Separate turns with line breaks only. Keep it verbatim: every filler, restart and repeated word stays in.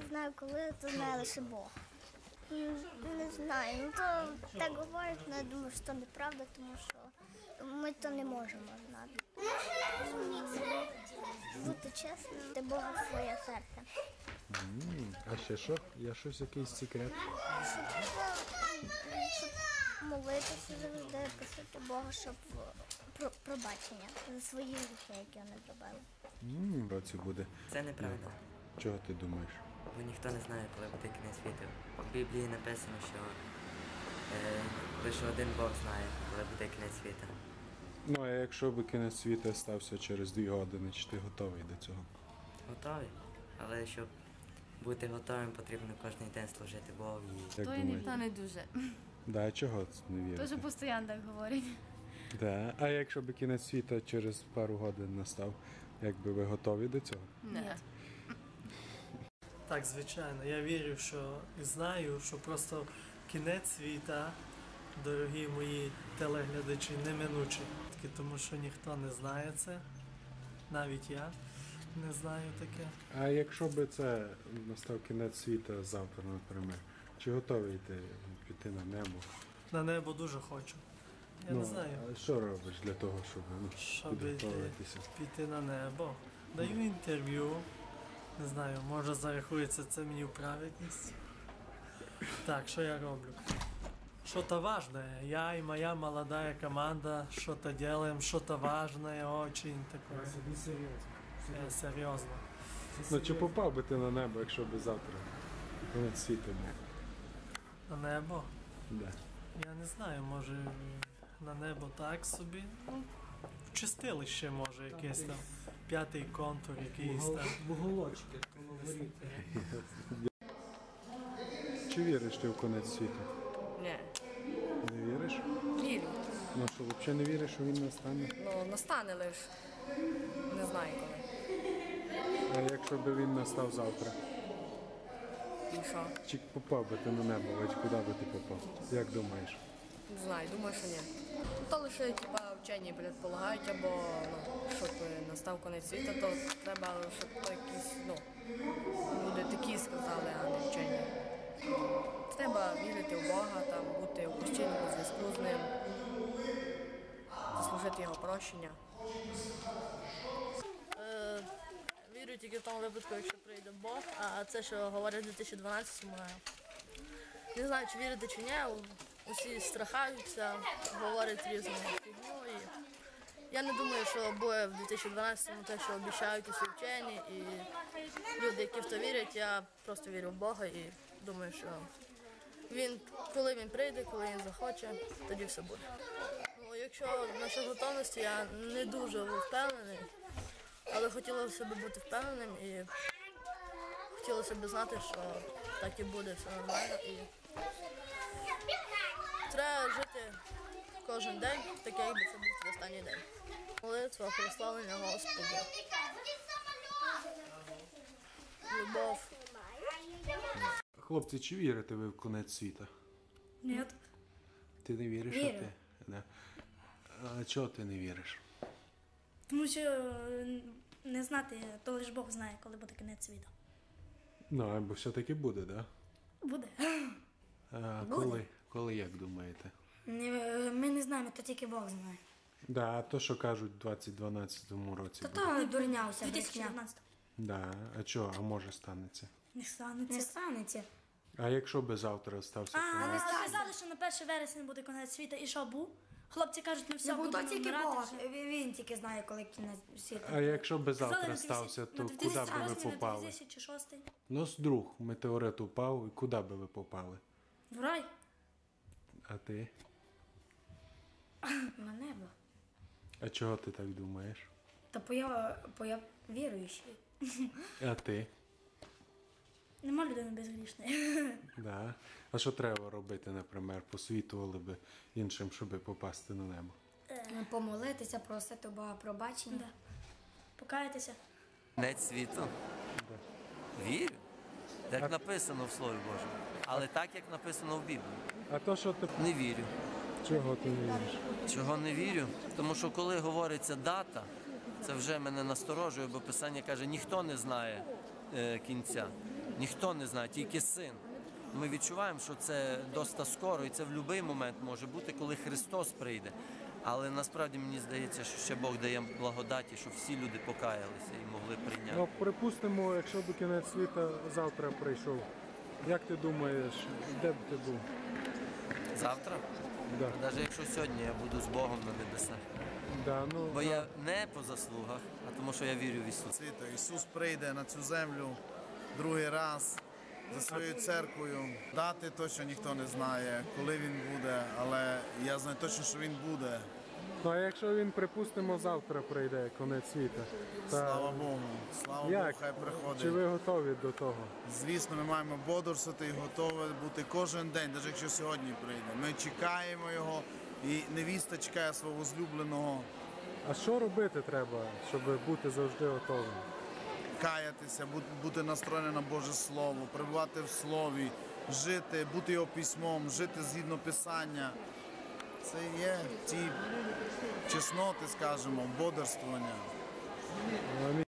знаю коли, то знає лише Бог. Не знаю, ну то так говорять, але я думаю, що це неправда, тому що ми то не можемо знати. Бути чесним, ти Бога в своє серце.
Mm, а ще що? Є щось, якийсь секрет?
Щоб, щоб молитися завжди, просити Бога, щоб про, пробачення за свої гріхи, які вони зробили.
Mm, році буде.
Це неправда.
Чого ти думаєш?
Бо ніхто не знає, коли буде кінець світу. В Біблії написано, що е, лише один Бог знає, коли буде кінець світу.
Ну, а якщо б кінець світу стався через дві години, чи ти готовий до цього?
Готовий. Але щоб бути готовим, потрібно кожен день служити Богу.
Як
То і
думаєте?
ніхто не дуже.
Да, чого це не вірите?
Тоже постійно так говорять.
Да. А якщо б кінець світу через пару годин настав, як би ви готові до цього?
Ні.
Так, звичайно. Я вірю, що і знаю, що просто кінець світа, дорогі мої телеглядачі, неминучий. Тому що ніхто не знає це, навіть я не знаю таке.
А якщо б це настав кінець світу завтра, наприклад, чи готовий ти піти на небо?
На небо дуже хочу. Я
ну,
не знаю.
А що робиш для того, щоб, ну,
Щоб йти,
підготовитися?
піти на небо. Даю інтерв'ю. Не знаю, може зарахується це мені в праведність. Так, що я роблю? Что-то важное. Я и моя молодая команда что-то делаем, что-то важное, очень такое. Серьезно. Серьезно.
Ну, чи попав би ти на небо, якщо б завтра кінець світу був?
На небо?
Да.
Я не знаю, може на небо так собі. Ну, в чистилище може якийсь там п'ятий контур, якийсь там.
Вуголочки, воно горить.
Чи віриш ти в кінець світу?
Ні.
Не віриш?
Вірю.
Ну що, взагалі не віриш, що він настане?
Ну, настане лиш. Не знаю коли.
А якщо б він настав завтра?
І що?
Чи попав би ти на небо, хоч куди би ти попав? Як думаєш?
Не знаю, думаю, що ні. То лише типа вчені предполагають, або ну, щоб настав кінець світу, то треба, щоб то якісь, ну, люди такі сказали, а не вчені. Треба вірити в Бога, там, бути у постійному зв'язку з ним, заслужити його прощення.
Е, вірю тільки в тому випадку, якщо прийде Бог, а це, що говорять у дві тисячі дванадцятому, не знаю, чи вірити, чи ні, усі страхаються, говорять різну фігню. І я не думаю, що буде в дві тисячі дванадцятому те, що обіцяють усі вчені, і люди, які в то вірять, я просто вірю в Бога і думаю, що він, коли він прийде, коли він захоче, тоді все буде. Ну, якщо насчет готовності, я не дуже впевнений, але хотілося б бути впевненим і хотілося б знати, що так і буде, все нормально. І треба жити кожен день, таке, якби це був твій останній день. Молитва, прославлення Господа, любов.
Хлопці, чи вірите ви в кінець світу?
Ні.
Ти не віриш?
Вірю.
Що ти? Да. А чого ти не віриш?
Тому що не знати, то лише Бог знає, коли буде кінець світу.
Ну, або все-таки буде, так? Да?
Буде.
А
Буде.
коли? Коли, як думаєте?
Ми не знаємо, то тільки Бог знає.
Да, а то, що кажуть, в двадцять дванадцятому році
Та
буде.
то дурня уся. дві тисячі дев'ятнадцятому.
Да. А чого? А може станеться?
Не станеться. Не станеться.
А якщо би завтра стався
А,
кінець?
ви сказали, що на перше вересня буде кінець світу. І що був? Хлопці кажуть, ми все
Не був то
будемо
тільки
вмирати.
Бог, він тільки знає, коли кінець світу.
А якщо би
Казали,
завтра
на дві тисячі
стався, то
на
куди би ви
дві
попали?
тисячі шостий.
Ну, з друг, метеорит упав, і куди би ви попали?
В рай.
А ти?
На небо.
А чого ти так думаєш?
Та бо я, бо я віруючий.
А ти?
Нема людини безгрішної.
Да. А що треба робити, наприклад, посвітували би іншим, щоб попасти на небо?
Помолитися, просити у Бога пробачення.
Да. Покаятися.
Кінець світу? Вірю. Як написано в Слові Божому. Але так, як написано в Біблії.
А то, що ти...
Не вірю.
Чого ти не віриш?
Чого не вірю? Тому що коли говориться дата, це вже мене насторожує, бо Писання каже, ніхто не знає е, кінця. Ніхто не знає, тільки син. Ми відчуваємо, що це досить скоро, і це в будь-який момент може бути, коли Христос прийде. Але насправді мені здається, що ще Бог дає благодаті, щоб всі люди покаялися і могли прийняти.
Ну, припустимо, якщо до кінець світа завтра прийшов, як ти думаєш, де б ти був?
Завтра?
Да.
Навіть якщо сьогодні я буду з Богом на небесах.
Да, ну,
Бо я не по заслугах, а тому що я вірю в Ісуса.
Світу. Ісус прийде на цю землю другий раз за своєю церквою. Дати точно ніхто не знає, коли він буде, але я знаю точно, що він буде.
Ну, а якщо він, припустимо, завтра прийде, кінець світа, та
Слава Богу, слава
як?
Богу, хай приходить.
Чи ви готові до того?
Звісно, ми маємо бодрствувати і готові бути кожен день, навіть якщо сьогодні прийде. Ми чекаємо його, і невіста чекає свого возлюбленого.
А що робити треба, щоб бути завжди готовим?
Каятися, бу- бути настроєним на Боже Слово, перебувати в Слові, жити, бути його письмом, жити згідно Писання. Це є ті чесноти, скажімо, бодрствування.
Амінь.